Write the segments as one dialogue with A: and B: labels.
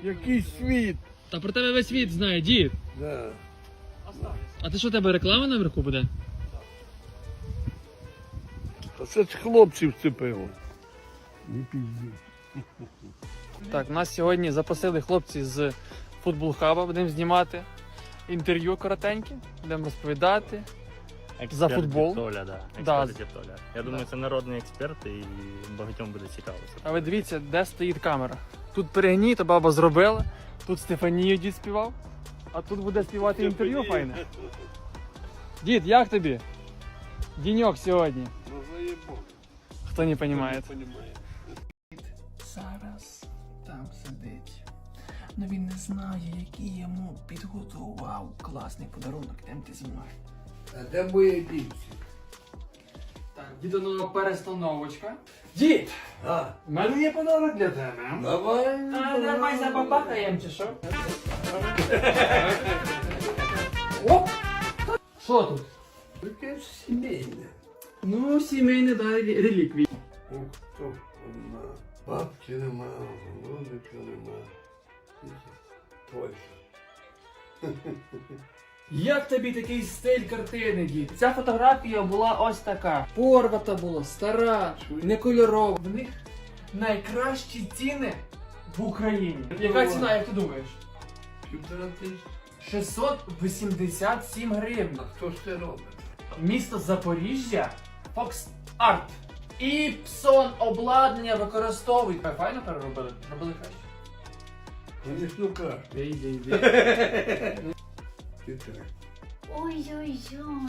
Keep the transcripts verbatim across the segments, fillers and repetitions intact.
A: Який світ?
B: Та про тебе весь світ знає, дід.
A: Да.
B: А ти що, у тебе реклама наверху буде?
A: А це ж хлопців вцепило. Не пізді.
B: Так, нас сьогодні запросили хлопці з Футбол Хаба, будемо знімати інтерв'ю коротеньке, будемо розповідати.
C: Експерт
B: За футбол?
C: Толя, да.
B: Да.
C: Експерт Толя. Я думаю, це народний експерт і багатьом буде цікаво.
B: А ви дивіться, де стоїть камера. Тут перегній, то баба зробила, тут Стефанію дід співав, а тут буде співати інтерв'ю файне. Дід, як тобі? Діньок сьогодні.
A: Ну заєбок.
B: Хто не розуміє.
D: Зараз там сидить. Ну він не знає, який йому підготував класний подарунок. Йдемте зі мною.
A: А де моє дівці?
B: Так, дідонова перестановочка. Дід!
A: А,
B: У мене є подарунок для тебе.
A: давай.
B: А, давай забабахаємо чи що? Оп! Що тут?
A: Таке ж сімейне.
B: Ну, сімейне, да, реліквії.
A: О, хто одна. Бабки нема, голубика нема. Точно.
B: Як тобі такий стиль картини, дід? Ця фотографія була ось така. Порвата була, стара, не кольорова. В них найкращі ціни в Україні. Яка ціна, як ти думаєш?
A: Півтора тисячі.
B: шістсот вісімдесят сім гривень.
A: А хто ж це робить?
B: Місто Запоріжжя, Fox Art. Іпсон обладнання використовують. Файно переробили? Робили краще.
A: Вони ж ну кажуть.
B: Йди, йди.
A: Півтора.
E: Ой-ой-ой,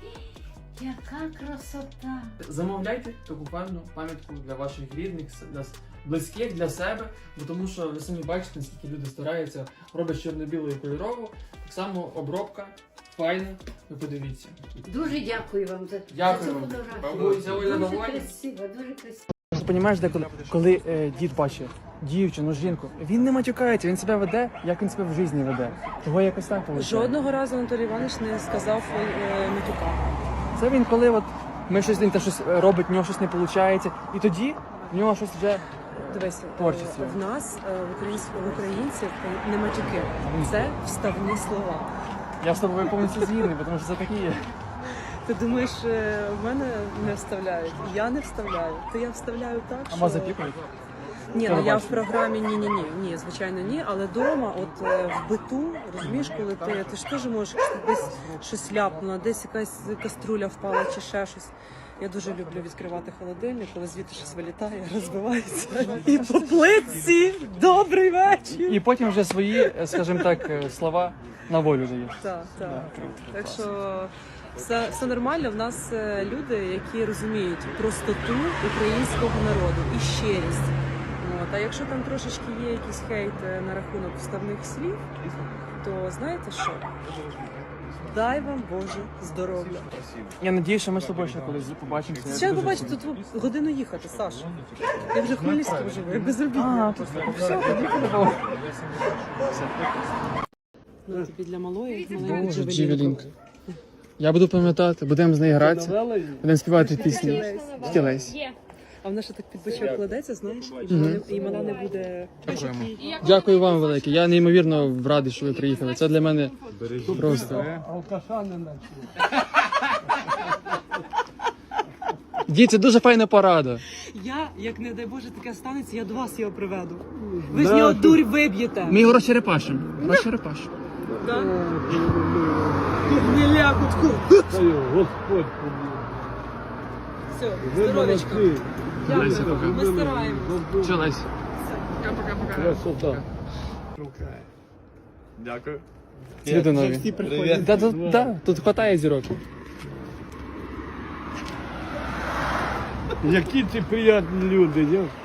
E: яка красота!
B: Замовляйте таку певну пам'ятку для ваших рідних, для близьких, для себе, бо тому що ви самі бачите, наскільки люди стараються, роблять чорно-білу і кольорову. Так само обробка, файна, ви подивіться.
E: Дуже дякую вам за,
B: Дякую
E: за цю
B: вам.
E: фотографію.
B: Бабуся, Оля,
E: Дуже
B: довольна?
E: красиво, дуже красиво.
B: Ти розумієш, деколи, коли е, дід бачить дівчину, жінку, він не матюкається, він себе веде, як він себе в житті веде. Того якось так виходить.
F: Жодного разу Анатолій Іванович не сказав е, матюка.
B: Це він, коли от ми щось він та щось робить, в нього щось не виходить, і тоді в нього щось вже.
F: Дивись,
B: Творчість є.
F: в нас, е, в українців, в українців, не матюки. Це вставні слова.
B: Я з тобою повністю згідний, тому що це такі є.
F: Ти думаєш, е, в мене не вставляють? Я не вставляю. То я вставляю так,
B: А
F: що...
B: вас запікують?
F: Ні,
B: Що
F: ну
B: ви
F: я в
B: бачите?
F: програмі ні-ні-ні, ні, звичайно ні, але вдома, от е, в биту, розумієш, коли ти, ти ж теж можеш десь щось ляпнуло, десь якась каструля впала чи ще щось. Я дуже люблю відкривати холодильник, коли звідти щось вилітає, розбивається. І по плитці добрий вечір.
B: І потім вже свої, скажімо так, слова на волю даєш.
F: Так, так. Так що все, все нормально. В нас е, люди, які розуміють простоту українського народу і щирість. От. А якщо там трошечки є якийсь хейт е, на рахунок вставних слів, то знаєте що? Дай вам Боже здоров'я.
B: Я надіюсь, що ми з тобою ще колись побачимося.
F: Ще побачите, тут годину їхати, Саш. Я вже в Хмельницькому живу, я безробітна.
B: А, тут все, тоді по-любому.
F: Ну, тобі для малої, маленької
B: Боже,
F: Джевелінка.
B: Джевелінка. Я буду пам'ятати, будемо з нею гратися, будемо співати пісні. Тільки Лесь.
F: А вона ще так під бочок кладеться, знаєш, і вона, не- і вона не буде...
B: Дякуємо. Дякую вам велике. Я неймовірно радий, що ви приїхали. Це для мене просто.
A: Алкаша не наче.
B: Дід, це дуже файна порада.
F: Я, як не дай Боже, таке станеться, я до вас його приведу. Ви з нього дурь виб'єте.
B: Ми його розчерепашимо. Розчерепашимо.
F: Так? Не лякутку.
A: Та його Господь побив.
F: Все,
A: Ви
F: здоровечко.
A: молодці.
B: Леся, пока.
F: Ми стараємось.
B: Що, Лесь?
A: Красота.
C: Дякую.
B: Цвіти нові. Да, тут, да, тут хватає зірок.
A: Які ці приємні люди, я